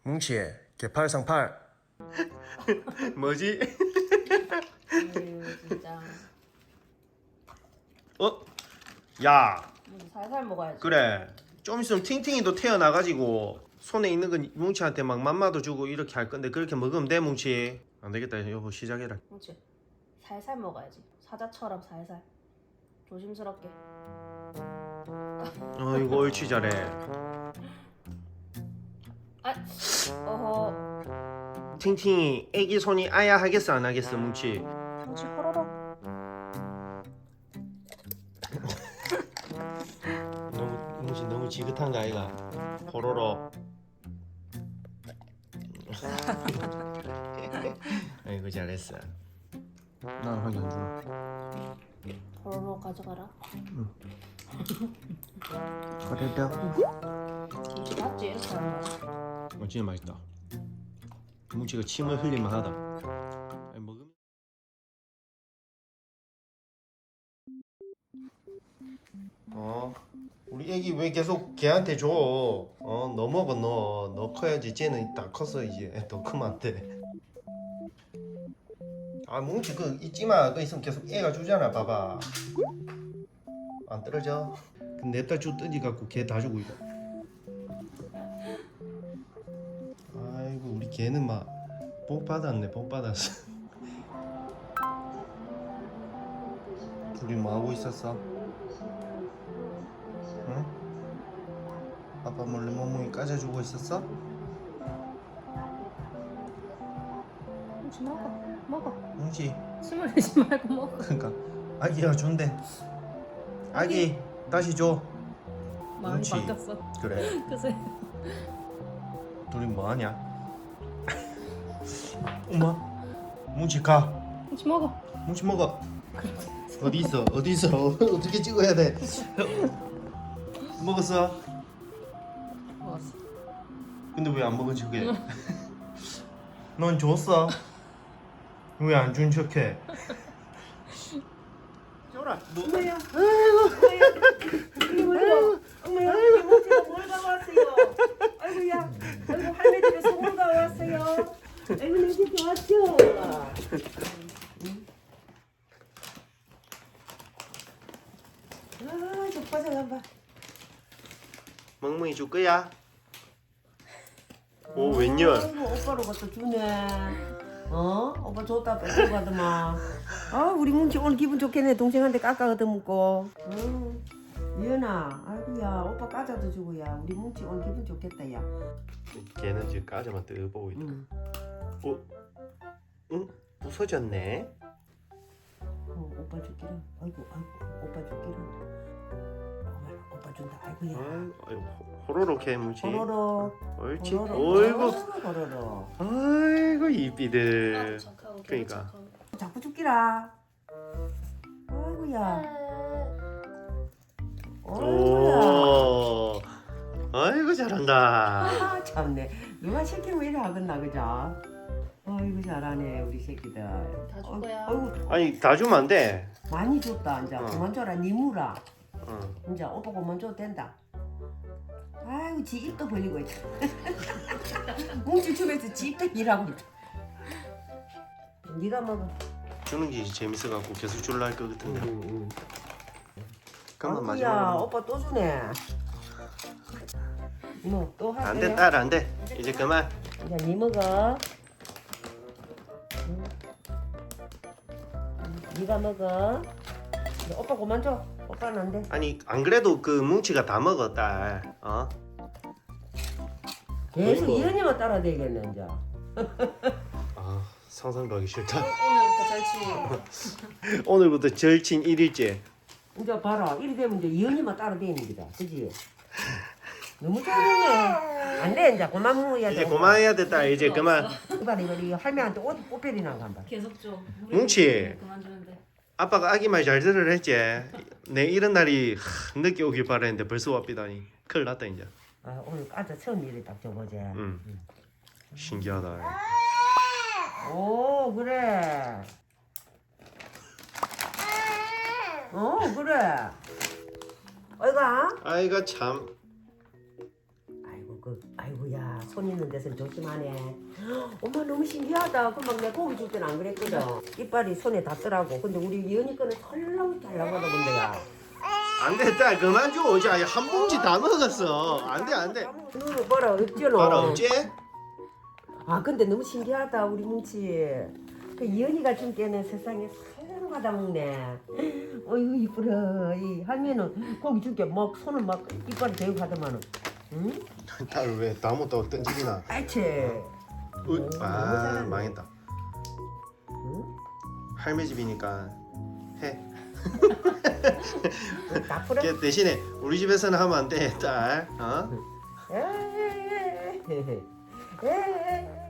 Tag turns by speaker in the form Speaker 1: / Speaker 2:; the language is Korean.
Speaker 1: 뭉치 개팔상팔. 뭐지?
Speaker 2: 진짜.
Speaker 1: 야,
Speaker 2: 살살 먹어야지.
Speaker 1: 그래. 좀 있으면 팅팅이도 태어나가지고 손에 있는 건 뭉치한테 막 맘마도 주고 이렇게 할 건데 그렇게 먹으면 돼, 뭉치? 안 되겠다, 여보 시작해라.
Speaker 2: 그렇지. 살살 먹어야지. 사자처럼 살살. 조심스럽게.
Speaker 1: 이거 옳지 잘해.
Speaker 2: 아, 어허.
Speaker 1: 팅팅이 애기 손이 아야 하겠어 안 하겠어, 뭉치?
Speaker 2: 뭉치 호로록.
Speaker 1: 뭉치 너무 지긋한 거 아이가? 호로로. 아이고 잘했어. 난 하기 안 주나?
Speaker 2: 호로록 가져가라.
Speaker 1: 그래도
Speaker 2: 뭉치 맞지? 이렇게 하는 거야.
Speaker 1: 진짜 맛있다. 뭉치가 침을 흘릴만 하다. 아니, 먹으면 우리 애기 왜 계속 걔한테 줘? 너 먹어 너. 너 커야지. 쟤는 다 컸어 이제. 더 크면 안 돼. 아 뭉치 그 잊지마. 그거 있으면 계속 애가 주잖아. 봐봐. 안 떨어져. 냅다 쭉 던지갖고 걔 다 주고 이거. 아이고 우리 걔는 막 복 받았네. 복 받았어. 둘이 뭐 하고 있었어? 응? 아빠 몰래 멍멍이 까져주고 있었어?
Speaker 2: 뭉치 먹어. 먹어.
Speaker 1: 뭉치.
Speaker 2: 숨을 내지 말고 먹어.
Speaker 1: 그러니까 아기가 준대. 아기 다시 줘.
Speaker 2: 마음이
Speaker 1: 뭉치.
Speaker 2: 바뀌었어.
Speaker 1: 그래.
Speaker 2: 그새.
Speaker 1: 둘이 뭐 하냐? 엄마. 뭉치 가.
Speaker 2: 뭉치 먹어.
Speaker 1: 뭉치 먹어. 어디 있어? 어디 있어? 어떻게 찍어야 돼? 먹었어?
Speaker 2: 먹었어.
Speaker 1: 근데 왜 안 먹은 척해? 넌 줬어? 왜 안 준 척해? 줘라. 너.
Speaker 3: 엄마야, 아이고, 엄마야, 이모지가 뭘 가왔어요? 아이고야, 아이고 할매 집에 소금 가왔어요. 아이고 내 집에 왔죠. 아, 족발 잠깐만.
Speaker 1: 멍멍이 줄 거야? 오 웬열?
Speaker 3: 아이고 오빠로 갖다 주네. 오빠 줬다 뺏고 가더만. 아, 우리 뭉치 오늘 기분 좋겠네. 동생한테 깎아 얻어먹고. 미연아, 아이고야, 오빠 까자도 주고야. 우리 뭉치 오늘 기분 좋겠다, 야.
Speaker 1: 걔는 지금 까지만 뜨보고 있다. 응? 부서졌네.
Speaker 3: 오빠 줄기라. 아이고, 오빠 줄기라. 오빠 준다. 아이고야.
Speaker 1: 아이고 호로록 해 뭉치.
Speaker 3: 호로록.
Speaker 1: 옳지.
Speaker 3: 호로록.
Speaker 1: 어이구.
Speaker 3: 호로록.
Speaker 1: 아이고 이삐들.
Speaker 2: 착하고
Speaker 1: 그러니까.
Speaker 2: 착하고.
Speaker 3: 자꾸 줄기라. 아이고야. 아이고야.
Speaker 1: 오. 아이고 잘한다.
Speaker 3: 아, 참네. 누가 시키면 이래 하겠나, 그죠? 아이고, 잘하네, 우리 새끼들.
Speaker 2: 다 줄 거야.
Speaker 3: 아이고,
Speaker 1: 아니 다 주면 안 돼.
Speaker 3: 많이 줬다, 이제. 그만 줘라, 니무라.
Speaker 1: 응.
Speaker 3: 이제 오빠 그만 줘도 된다. 아이고, 지 입도 벌리고 있다. 뭉치 집에서 지 입도 일하고 있다. 네가 먹어.
Speaker 1: 주는 게 재밌어갖고 계속 줄라 할 것 같은데. 그만
Speaker 3: 아이고야,
Speaker 1: 마지막으로.
Speaker 3: 오빠 또 주네. 뭐, 또 할래?
Speaker 1: 안 돼, 딸 안 돼. 이제 그만.
Speaker 3: 이제 니 먹어. 네가 먹어. 이제 오빠 그만 줘. 오빠는 안 돼.
Speaker 1: 아니 안 그래도 그 뭉치가 다 먹어 딸.
Speaker 3: 계속
Speaker 1: 어이구.
Speaker 3: 이현이만 따라다니겠네 이제.
Speaker 1: 아 상상도 하기 싫다.
Speaker 2: 오늘부터 절친.
Speaker 1: 오늘부터 절친 1일째.
Speaker 3: 이제 봐라. 이리 되면 이제 이현이만 따라다니는 거다. 그지? 너무 잘했네. 안 돼. 이제 그만 먹어야 돼.
Speaker 1: 이제 그만해야 돼 딸. 이제 그만.
Speaker 3: 이거 할매한테 어디 꽃배리나 간다.
Speaker 2: 계속 줘.
Speaker 1: 뭉치.
Speaker 2: 그만 주는데.
Speaker 1: 아빠가 아기 말 잘 들으라 했지. 내 이런 날이 늦게 오길 바랬는데 벌써 왔비다니. 큰일 났다 이제.
Speaker 3: 아, 오늘 까자 처음 일이 딱 줘보지.
Speaker 1: 신기하다.
Speaker 3: 오, 그래. 그래. 어이가.
Speaker 1: 아이가 참.
Speaker 3: 아이고 그 아이고야 손 있는 데서는 조심하네. 엄마 너무 신기하다. 금방 내 고기 줄 때는 안 그랬거든. 이빨이 손에 닿더라고. 근데 우리 이은이 거는 털렁털렁하다 본데야.
Speaker 1: 안돼 딸 그만 줘. 이제 한 봉지 다 먹었어. 안돼.
Speaker 3: 눈을 봐라 어쩌노.
Speaker 1: 봐라 어째?
Speaker 3: 아 근데 너무 신기하다 우리 뭉치. 그 이은이가 준 게는 세상에 살랑 받아 먹네. 어이구 이쁘라. 이 할매는 고기 줄게 막 손을 막 이빨이 대고 하더만은. 응?
Speaker 1: 딸 왜 다 못하고 던지기나?
Speaker 3: 아이치.
Speaker 1: 아 망했다.
Speaker 3: 응?
Speaker 1: 할매 집이니까 해.
Speaker 3: 나쁘라.
Speaker 1: 걔 대신에 우리 집에서는 하면 안 돼, 딸. 어?
Speaker 3: 에이.